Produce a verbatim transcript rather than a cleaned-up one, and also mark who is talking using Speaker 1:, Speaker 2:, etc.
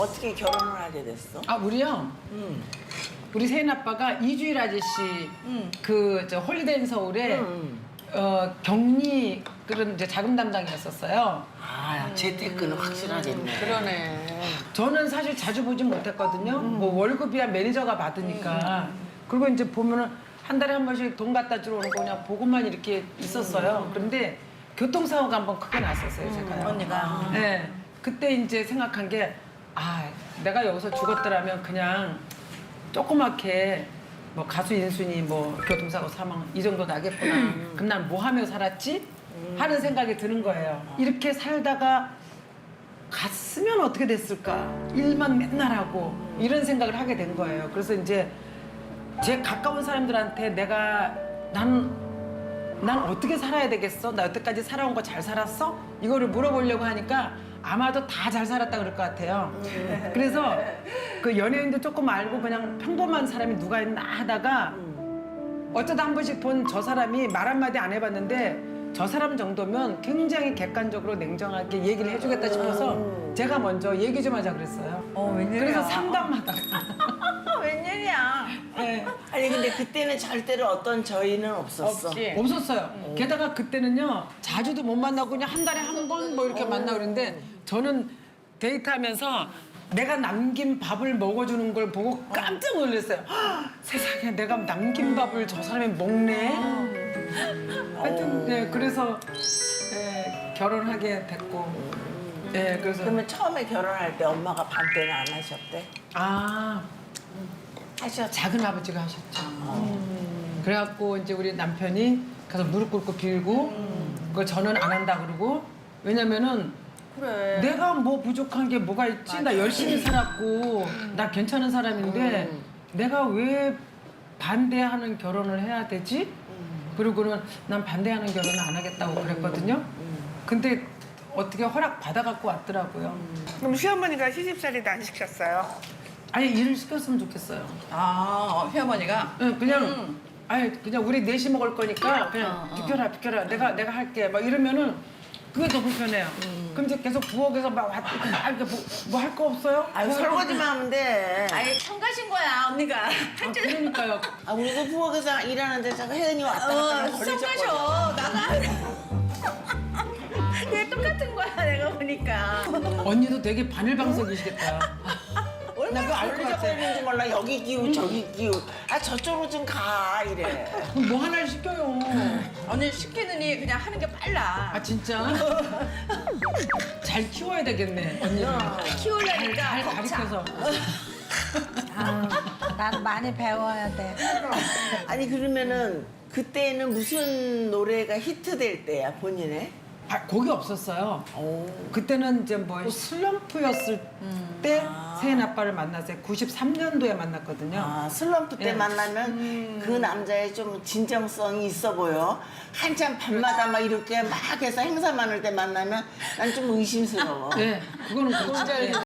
Speaker 1: 어떻게 결혼을 하게 됐어?
Speaker 2: 아 우리요?
Speaker 1: 응.
Speaker 2: 우리 세인 아빠가 이주일 아저씨 그 저 홀리데이 서울에
Speaker 1: 응.
Speaker 2: 어, 격리 그런 이제 자금 담당이었었어요.
Speaker 1: 아, 재테크는 확실하겠네.
Speaker 3: 그러네.
Speaker 2: 저는 사실 자주 보진 못했거든요. 뭐 월급이야 매니저가 받으니까. 그리고 이제 보면은 한 달에 한 번씩 돈 갖다 주러 오는 거 그냥 보고만 이렇게 있었어요. 그런데 교통사고가 한 번 크게 났었어요, 제가요.
Speaker 3: 언니가.
Speaker 2: 네. 그때 이제 생각한 게, 아, 내가 여기서 죽었더라면 그냥 조그맣게 뭐 가수 인순이 뭐 교통사고 사망 이 정도 나겠구나. 그럼 난 뭐 하며 살았지? 하는 생각이 드는 거예요. 이렇게 살다가 갔으면 어떻게 됐을까? 일만 맨날 하고 이런 생각을 하게 된 거예요. 그래서 이제 제 가까운 사람들한테 내가 난, 난 어떻게 살아야 되겠어? 나 여태까지 살아온 거 잘 살았어? 이거를 물어보려고 하니까 아마도 다 잘 살았다 그럴 것 같아요. 그래서 그 연예인도 조금 알고 그냥 평범한 사람이 누가 있나 하다가 어쩌다 한 번씩 본 저 사람이 말 한마디 안 해봤는데 저 사람 정도면 굉장히 객관적으로 냉정하게 얘기를 해주겠다 싶어서 제가 먼저 얘기 좀 하자 그랬어요.
Speaker 3: 어, 웬일이야.
Speaker 2: 그래서 상담하다가.
Speaker 3: 웬일이야.
Speaker 2: 네.
Speaker 1: 아니 근데 그때는 절대로 어떤 저희는 없었어.
Speaker 3: 없지.
Speaker 2: 없었어요. 게다가 그때는요 자주도 못 만나고 그냥 한 달에 한 번 뭐 이렇게 만나고 그랬는데 저는 데이트하면서 내가 남긴 밥을 먹어주는 걸 보고 깜짝 놀랐어요. 헉, 세상에 내가 남긴 밥을 저 사람이 먹네. 하여튼 네, 그래서 네, 결혼하게 됐고. 네, 그래서
Speaker 1: 그러면 처음에 결혼할 때 엄마가 반대는 안 하셨대?
Speaker 2: 아
Speaker 1: 하셨.
Speaker 2: 작은 아버지가 하셨죠. 그래갖고 이제 우리 남편이 가서 무릎 꿇고 빌고 그걸 저는 안 한다 그러고 왜냐면은
Speaker 3: 그래.
Speaker 2: 내가 뭐 부족한 게 뭐가 있지? 나 열심히 살았고 나 괜찮은 사람인데 내가 왜 반대하는 결혼을 해야 되지? 그리고는 난 반대하는 결혼은 안 하겠다고 그랬거든요. 근데 어떻게 허락 받아갖고 왔더라고요.
Speaker 4: 그럼 시어머니가 시집살이도 안 시켰어요?
Speaker 2: 아예 일을 시켰으면 좋겠어요.
Speaker 3: 아, 어, 시어머니가?
Speaker 2: 응, 그냥
Speaker 3: 음.
Speaker 2: 아예 그냥 우리 넷이 먹을 거니까 그냥
Speaker 3: 어, 어.
Speaker 2: 비켜라 비켜라 내가 내가 할게 막 이러면은 그게 더 불편해요. 그럼 이제 계속 부엌에서 막 왔- 막 이렇게 뭐 할 거 없어요?
Speaker 1: 아유
Speaker 2: 뭐 할 거-
Speaker 1: 설거지만 하면 돼.
Speaker 3: 아예 청가신 거야, 언니가.
Speaker 2: 아, 그러니까요.
Speaker 1: 아 우리도 부엌에서 일하는데 자꾸 혜연이 왔다 갔다
Speaker 3: 어,
Speaker 1: 하면 걸리적거려.
Speaker 3: 청가셔. 나가. 왜 똑같은 거야, 내가 보니까.
Speaker 2: 언니도 되게 바늘방석이시겠다. 나 그거 알 것 같아.
Speaker 1: 걸리적거리는지 몰라. 여기 기우 저기 기우. 아 저쪽으로 좀 가 이래.
Speaker 2: 그럼 뭐 하나를 시켜요.
Speaker 3: 언니 시키느니 그냥 하는 게 빨라.
Speaker 2: 아 진짜? 잘 키워야 되겠네 언니를.
Speaker 3: 키우려니까
Speaker 2: 잘
Speaker 3: 벅차.
Speaker 2: 가르쳐서.
Speaker 5: 난 많이 배워야 돼.
Speaker 1: 아니 그러면은 그때는 무슨 노래가 히트될 때야 본인의?
Speaker 2: 아, 곡이 없었어요.
Speaker 1: 오.
Speaker 2: 그때는 이제 뭐 슬럼프였을 때 세인 아빠를 만났어요. 구십삼 년도에 만났거든요.
Speaker 1: 아 슬럼프 때
Speaker 2: 예.
Speaker 1: 만나면 그 남자의 좀 진정성이 있어 보여. 한참 밤마다 막 이렇게 막 해서 행사 많을 때 만나면 난 좀 의심스러워.
Speaker 2: 네, 그거는 그렇죠. 네.